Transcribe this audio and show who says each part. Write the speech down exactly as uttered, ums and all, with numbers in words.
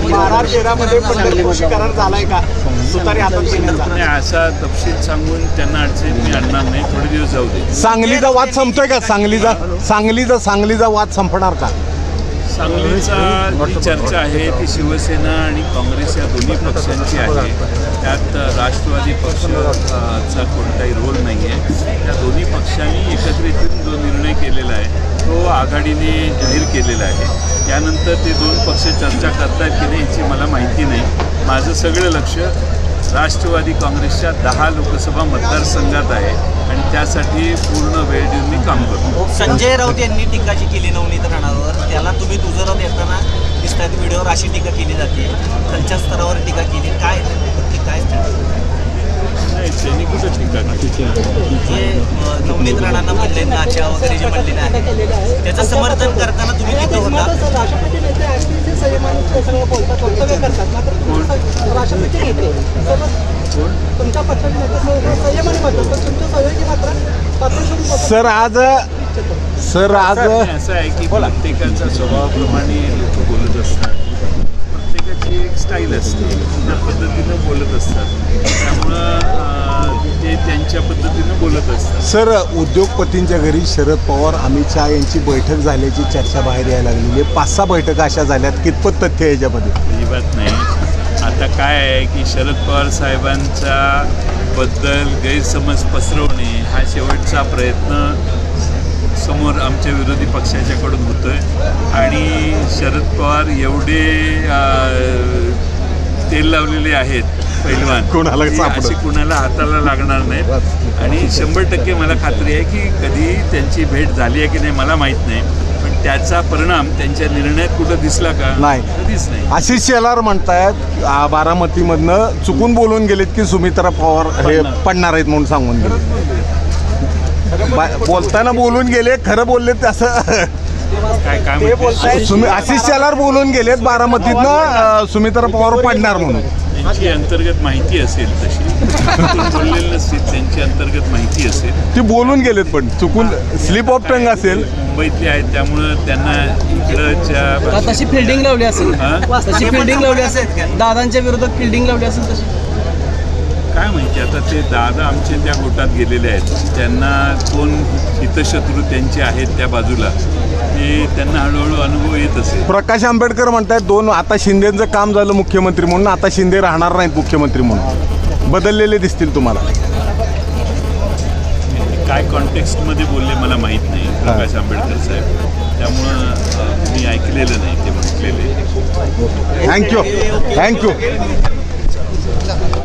Speaker 1: बारा तेरा मध्ये पंढरपूरशी करार झालाय का तुतारी हातात घेण्याचा?
Speaker 2: नाही, असा तपशील सांगून त्यांना अडचणीत मी आणणार नाही. थोडे दिवस जाऊ दे.
Speaker 3: सांगलीचा वाद संपतोय का? सांगलीचा सांगलीचा सांगलीचा वाद संपणार का?
Speaker 2: सांगलीचा जी चर्चा आहे ती शिवसेना आणि काँग्रेस या दोन्ही पक्षांची आहे. त्यात राष्ट्रवादी पक्षाचा कोणताही रोल नाही आहे. त्या दोन्ही पक्षांनी एकत्रित येऊन जो निर्णय केलेला आहे तो आघाडीने जाहीर केलेला आहे. त्यानंतर ते दोन पक्ष चर्चा करतात की नाही याची मला माहिती नाही. माझं सगळं लक्ष राष्ट्रवादी काँग्रेसच्या दहा लोकसभा मतदारसंघात आहे आणि त्यासाठी पूर्ण वेळ देऊन मी काम करतो.
Speaker 4: संजय राऊत यांनी टीका जी केली नवनीत राणावर, त्याला तुम्ही दुजोरा देताना दिसतात व्हिडिओवर अशी टीका केली जाते, खालच्या स्तरावर टीका केली. काय काय
Speaker 2: नाही, त्यांनी कुठं टीका केली?
Speaker 4: जे नवनीत राणांना म्हणले नाच्या वगैरे जे म्हणलेले आहे त्याचं समर्थन करताना तुम्ही तिथं होता.
Speaker 3: सर आज सर आज
Speaker 2: असं आहे की प्रत्येकाच्या स्वभावाप्रमाणे लोक बोलत असतात. प्रत्येकाची एक स्टाईल असते, त्या पद्धतीनं बोलत असतात. त्यामुळं ते त्यांच्या पद्धतीनं बोलत असतात.
Speaker 3: सर उद्योगपतींच्या घरी शरद पवार अमित शहा यांची बैठक झाल्याची चर्चा बाहेर यायला लागलेली आहे. पाच सहा बैठका अशा झाल्यात. कितपत तथ्य आहे याच्यामध्ये?
Speaker 2: अजिबात नाही. आता काय आहे की शरद पवार साहेबांच्या बद्दल गैरसमज पसरवणे हा शेवटचा प्रयत्न समोर आमच्या विरोधी पक्षाच्याकडून होतो आहे. आणि शरद पवार एवढे तेल लावलेले आहेत पैलवान,
Speaker 3: कोणाला
Speaker 2: अशी कुणाला हाताला लागणार नाहीत. आणि शंभर टक्के मला खात्री आहे की कधी त्यांची भेट झाली आहे की नाही मला माहीत नाही, पण त्याचा परिणाम त्यांच्या निर्णयात कुठं दिसला का?
Speaker 3: नाही,
Speaker 2: कधीच नाही.
Speaker 3: आशिष शेलार म्हणतायत आ, बारामतीमधनं चुकून बोलून गेलेत की सुमित्रा पवार हे पडणार आहेत म्हणून सांगून गेले. बोलताना बोलून गेले, खरं बोलले असं
Speaker 2: काय काय
Speaker 3: सुमि आशिष शेलार बोलून गेलेत बारामतीतनं सुमित्रा पवार पडणार म्हणून.
Speaker 2: त्यांची अंतर्गत माहिती असेल तशी बोललेलं नसतील, त्यांची अंतर्गत माहिती असेल.
Speaker 3: ते बोलून गेलेत पण चुकून स्लिप ऑफ टंग असेल.
Speaker 2: मुंबईतले आहेत त्यामुळं त्यांना इकडच्या
Speaker 5: तशी फिल्डिंग लावली असेल तशी फिल्डिंग लावली असेल दादांच्या विरोधात फिल्डिंग लावली असेल तशी
Speaker 2: काय माहिती. आता ते दादा आमचे त्या गोटात गेलेले आहेत, त्यांना कोण हितशत्रू त्यांचे आहेत त्या बाजूला ते त्यांना हळूहळू अनुभव येत असेल.
Speaker 3: प्रकाश आंबेडकर म्हणतायत दोन आता शिंदेचं काम झालं मुख्यमंत्री म्हणून, आता शिंदे राहणार नाहीत मुख्यमंत्री म्हणून. बदललेले दिसतील तुम्हाला?
Speaker 2: काय कॉन्टेक्स्टमध्ये बोलले मला माहीत नाही प्रकाश आंबेडकर साहेब, त्यामुळं मी ऐकलेलं नाही ते म्हटलेले.
Speaker 3: Thank you thank you